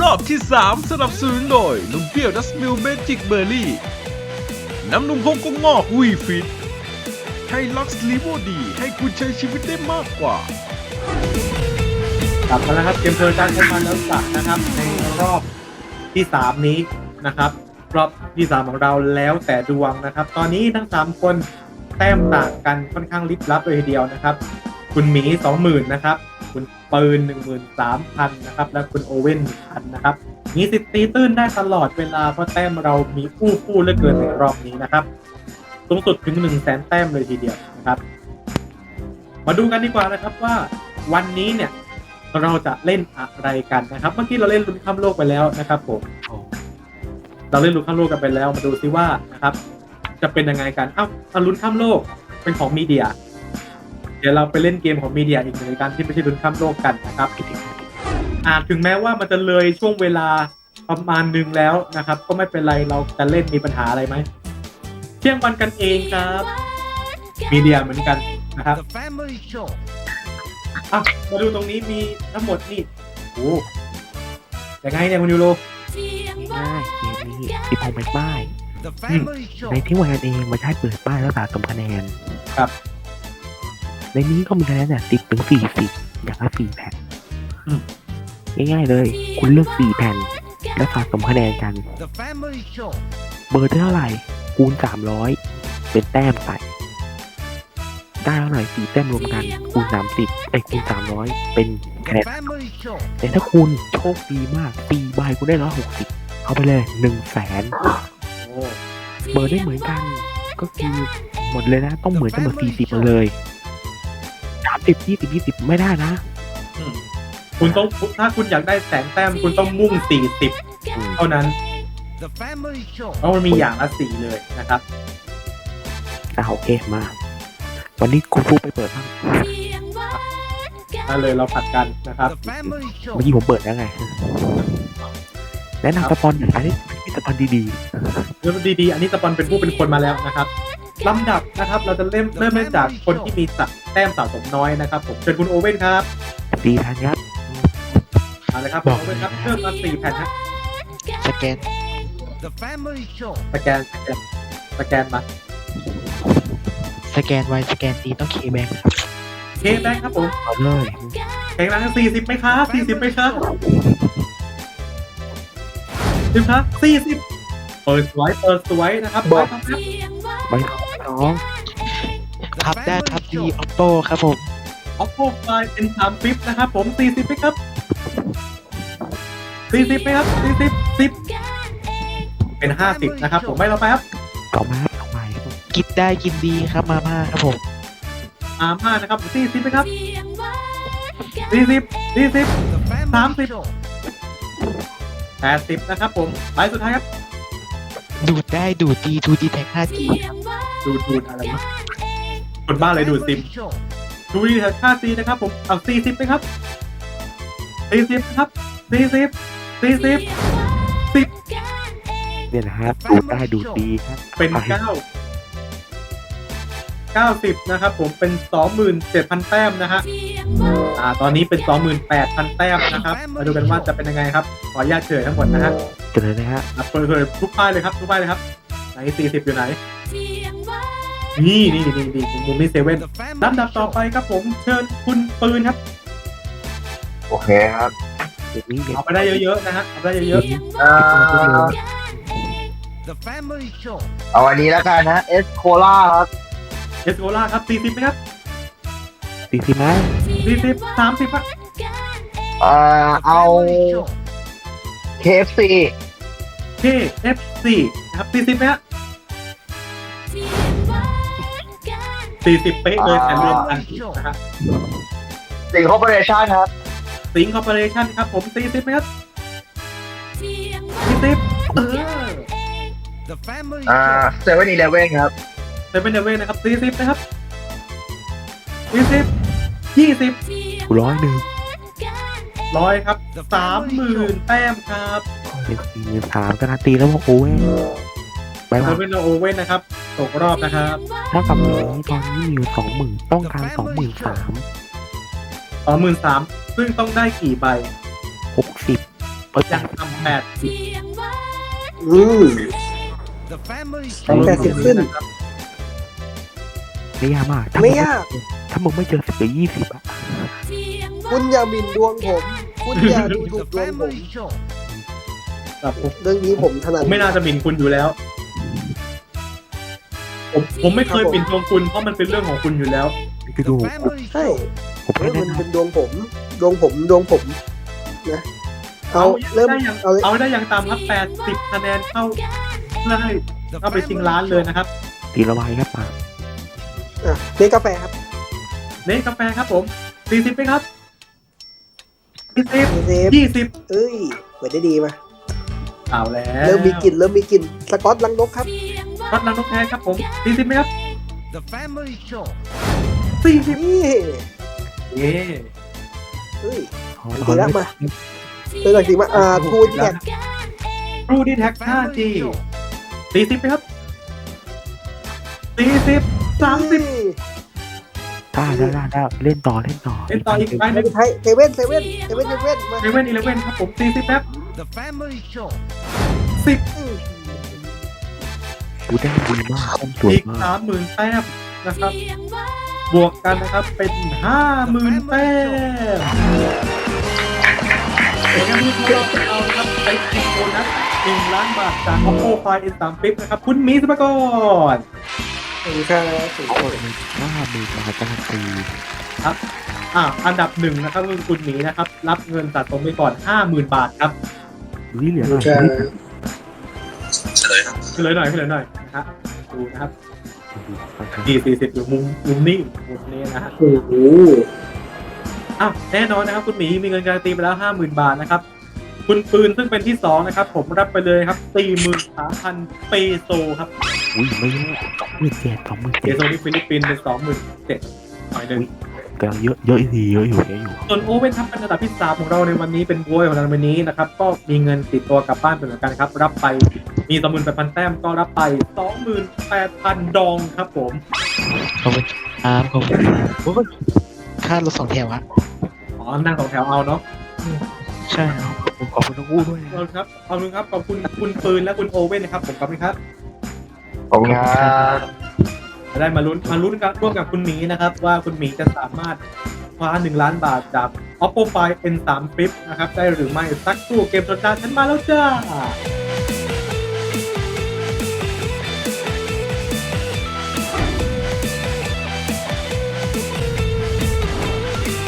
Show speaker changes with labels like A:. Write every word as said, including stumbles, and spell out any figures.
A: อบที่สามสนับสนุนโดยนมเปรี้ยวดัสมิลเมจิกเบอร์รี่น้ำนมพงกงอกวีฟิตไฮลักซ์ลีโวดีให้คุณใช้ชีวิตได้มากกว่าก
B: ลับมาแล้วครับเกมเพลินการใช้มันแล้วสักนะครับในรอบที่สามนี้นะครับรอบที่สามของเราแล้วแต่ดวงนะครับตอนนี้ทั้งสามคนแต้มต่างกันค่อนข้างลิบลับเลยทีเดียวนะครับคุณหมี สองหมื่น นะครับคุณปืน หนึ่งหมื่นสามพัน นะครับและคุณโอเว่น หนึ่งพัน นะครับมีสิทธิ์ตีตื้นได้ตลอดเวลาเพราะแต้มเรามีอู้ฟู่เหลือเกินในรอบนี้นะครับสูงสุดถึง หนึ่งแสน แต้มเลยทีเดียวนะครับมาดูกันดีกว่านะครับว่าวันนี้เนี่ยเราจะเล่นอะไรกันนะครับเมื่อกี้เราเล่นลุ้นข้ามโลกไปแล้วนะครับผมเราเล่นลุ้นข้ามโลกกันไปแล้วมาดูซิว่านะครับจะเป็นยังไงกันเอ้าเอาลุ้นข้ามโลกเป็นของมีเดียเดี๋ยวเราไปเล่นเกมของมีเดียอีกหนึ่งในการที่ไม่ใช่ลุ้นข้ามโลกกันนะครับอาจถึงแม้ว่ามันจะเลยช่วงเวลาประมาณนึงแล้วนะครับก็ไม่เป็นไรเราจะเล่นมีปัญหาอะไรไหมเที่ยงวันกันเองครับมีเดียเหมือนกันนะครับอ่ะมาดูตรงนี้มีทั้งหมดนี่โอ้ยังไงเนี่ยคุณยูโร
C: ง่ายเกมนี้ติดพงไปป้ายในที่วันเองมาใช้เปิดป้ายแล้วสะสมคะแนน
B: ครับ
C: ในนี้ก็มีคะแนนเนี่ยติดถึงสี่สิบอย่างละสี่แผ่นง่ายๆเลย คุณเลือกสี่แผ่นแล้วสะสมคะแนนกันเบอร์เท่าไหร่คูณสามร้อยเป็นแต้มใส่ได้เท่าไหร่สี่แต้มรวมกันคูณสามสิบไอ้คูณสามร้อยเป็นคะแนนแต่ถ้าคุณโชคดีมากตีใบคุณได้ร้อยหกสิบเอาไปเลยหนึ่งแสน
B: โอ้
C: เบอร์ได้เหมือนกันก็คือหมดเลยนะต้องเหมือนกันหมดสี่สิบมาเลยสามสิบยี่สิบยี่สิบไม่ได้นะ
B: อืมคุณต้องถ้าคุณอยากได้แสนแต้มคุณต้องมุ่งสี่สิบเท่านั้นเพราะมันมีอย่างละสี่เลยนะครับ
C: อ่าโอเคมาวันนี้คุณฟูไปเปิดบ้าง
B: นั่นเลยเราผัดกันนะครับ
C: เมื่อกี้ผมเปิดแล้วไงแนะนำสปอนหน่อยอันนี้มีสปอนดี
B: เริ่มดีๆอันนี้สปอนเป็นผู้เป็นคนมาแล้วนะครับลำดับนะครับ เราจะเริ่มเริ่มเริ่มจากคนที่มีสะแต้มสะสมน้อยนะครับผมเชิญคุณโอเว่นครับ
C: ๆดีทันครับ
B: เอาเลยครับ
C: บอก
B: โอเว่นครับเพิ่มมาสี่แผ่นฮะ
C: สแกน
B: สแกนสแกนสแกนมา
C: สแกนไวสแกนดีต้องเคแบง
B: เคแบงค์ครับผม
C: เอาเลย
B: แข่งรังสี่สิบไหมครับสี่สิบไหมครับสิบครับสี่สิบเปิดสวยเปิดสวยนะครับบอกครับ
C: ใบสองพับได้พับดีออโต้ครับผม
B: ออฟโฟไฟเป็นสามฟิปนะครับผมสี่สิบไหมครับสี่สิบไหมครับสี่สิบสิบเป็นห้าสิบนะครับผมไม่เราไปครับ
C: ต่อมาต่อไปกินได้กินดีครับมาม่าครับผม
B: อาม่านะครับสี่สิบไหมครับสี่สิบสี่สิบสามสิบแปดสิบนะครับผมไปสุดท้ายครับ
C: ดูดได้ดูดดีทูดีแท็ก ห้าจี
B: ดูดดูดอะไรนะคนบ้าเลยดูดซิมดูดีแท็กค่าซีนะครับผมเอาสี่สิบไหมครับสี่สิบนะครับสี่สิบสี่สิบสิบ
C: เนี่ยนะฮะดูดได้ดูดดีครับ
B: เป็นเก้าเก้าสิบนะครับผมเป็นสองหมื่นเจ็ดพันแต้มนะฮะอ่าตอนนี้เป็นสองหมื่นแปดพันแต้มนะครับมาดูกันว่าจะเป็นยังไงครับขออนุญาตเฉยทั้งหมดนะฮะ
C: เจอเลยนะฮะ
B: เปิดเผยทุกป้ายเลยครับทุกป้ายเลยครับไหนสี่สิบอยู่ไหนนี่นี่นี่นี่มุมนี้เซเว่นลำดับต่อไปครับผมเชิญคุณปืนครับ
D: โอเคครับ
C: เดี๋ยวนี้เด็ก
B: เอาไปได้เยอะๆนะฮะเอาไปได้เยอะ
D: เอ่อเอาอันนี้แล้วกันนะเอสโคล่าครับ
B: ๆเอสโกล่าครับสี่สิบไหมครับ
C: สี่สิบไหม
B: สี่สิบสามสิบครับ
D: เอ่อเอา เค เอฟ ซี
B: เค เอฟ ซี นะครับสี่สิบไหมฮะสี่สิบเป๊ะเลยแต่รวมกันนะฮะ
D: สิงคอร์ปอเรชั่นครับ
B: สิงคอร์ปอเรชั่นครับผมสี่สิบไหมครับสี่สิบเออ
D: อ่าเซเว่นอีเลฟเว่นครับ
B: เซเว่นเดเว่นนะครับสี่สิบนะครับสี่สิบยี่สิบ
C: ร้อยหนึ่ง
B: ร้อยครับสามหมื่นแต้มครับ
C: เป็นสี่หมื่นสามการันตีแล้วว่าโอ้ยไป
B: เซ
C: ว่า
B: เว่นโอเว่นนะครับตกรอบนะครับ
C: ถ้ากับนี้ตอนนี้มีอยู่สองหมื่นต้องการสองหมื่นสาม
B: สองหมื่นสามซึ่งต้องได้กี่ใบ
C: หกสิบเปิด
B: ยังต่ำแปดสิบ
D: อืม
B: ต้องลง
D: แปดสิบขึ้น
B: นะครับ
C: ไม่ยากมากถ้า
D: ไม่ยาก
C: ถ้ามึงไม่เจอสิบหรือยี่สิบอะ
D: คุณอย่าหมิ่นดวงผม คุณอย่าดูถูกดวงผม
B: ครับผม
D: เรื่องนี้ผมถนัด
B: ผมไม่น่าจะหมิ่นคุณอยู่แล้ว ผมผมไม่เคย
D: ครับผม
B: หมิ่นดวงคุณเพราะมันเป็นเรื่องของคุณอยู่แล้ว
C: คือดู
D: ใช่
C: ผม
D: เฮ้
C: ไม่
D: ย
C: แนะ
D: มัน
C: น
D: เป็นดวงผม ดวงผมดวงผมนะเอาเริ่ม
B: ได้อย่าง
D: เอาเลย
B: เอาได้อย่างต่ำครับแปดสิบคะแนนเข้าได้เข้าไปชิงล้านเลยนะครับ
C: ำตีละวายครับมา
D: อ่ะเลี้ยงกาแฟครับ
B: เล่นกาแฟครับผมสี่สิบไหมครับสี่สิบ
D: เซฟ
B: ยี่สิบ
D: เอ้ยเปิดได้ดีมา
B: เอาแล้ว
D: เริ่มมีกลิ่นเริ่มมีกลิ่นสกอตลังนกครับ
B: วัดลังนกแท้ครับผมสี่สิบไหมครับสี่สิบ
D: นี่
B: เย้
D: เฮ้ย
C: เอา
D: ดี
C: เอา
D: แล้วมาเป็นหลักสีมาอ่าทูนแท็ก
B: รูดีแท็ก ห้าจี สี่สิบไหมครับสี่สิบสามสิบ
C: ได้ได้ได้ได้เล่นต่อเล่นต่อ
B: เล่นต่ออีกไปห
D: ไม่
B: นึ่ง
D: เป็นไทยเซเว่นเซเว่นเซเว่นเซเว่นมา
B: เซเว่นอีเลฟเว่นครับผมสี่สิบครับสิบ
D: อืม
C: ดูได้ดีมากต้นสวย
B: อีก
C: มาก
B: สามหมื่นแต้มนะครับ บวกกันนะครับเป็นห้าหมื่นแต้มเอกมีของเราเอาครับไปกินโบนัสหนึ่งล้านบาทจาก Oppo Find เอ็น สาม Flip นะครับ คุณหมีสุภกร
D: ขอบคุณครับขอบคุณ
C: ห้าหมื่นบาทการันตี
B: ครับอ่าอันดับหนึ่งนะครับคือคุณหมีนะครับ รับเงินสะสมไปก่อนห้าหมื่นบาทครับ
C: นี่เหลือ
D: ขอบ
C: หน่
D: คุ
C: อย
D: ณครับ
B: ขึ้นเลยหน่อยขึ้นเลยหน่อยนะครับดูนะครับดีสี่สิบอยู่มุมมุมนี้มุมนี้นะฮะ
D: โอ้โห
B: อ้าวแน่นอนนะครับคุณหมีมีเงินการันตีไปแล้วห้าหมื่นบาทนะครับคุณปืนซึ่งเป็นที่สองนะครับผมรับไปเลยครับสี่หมื่นสามพันเปโซครับ
C: อุ้ยไม่เยอะสองหมื่นเจ็ดสองหมื่น
B: เป
C: เจ็ด
B: โซที่ฟิลิปปินส์เป็นสองหมื่นเจ็ดหน่อยหนึ่ง
C: แต่เยอะเยอะดีเยอะอยู่เยอะอยู่
B: ส่วนโอเว่นครับเป็นอันดับที่สามของเราในวันนี้เป็นบวยของเราในวันนี้นะครับก็มีเงินติดตัวกลับบ้านเป็นเหมือนกันครับรับไปมีสองหมื่นแปดพันแต้มก็รับไปสองหมื่นแปดพันดองครับผม
E: ขอบคุณครับขอบคุณโอ้ยค่ารถสองแถวอะ
B: อ๋อนั่งสองแถวเอาเนาะ
E: ใช่ครับ
C: ผมขอบคุณทั้งคู่ด้วย
B: ขอบคุณครับขอบคุณครับขอบคุณคุณปืนและคุณโอเว่นนะครับผมขอบคุณครับ
D: ขอบคุณครับ
B: จะได้มาลุ้นมาลุ้นกันร่วมกับคุณหมีนะครับว่าคุณหมีจะสามารถคว้าหนึ่งล้านบาทจาก Oppo Find เอ็น สาม Flip นะครับได้หรือไม่สักครู่เกมสนใจฉันมาแล้วจ้า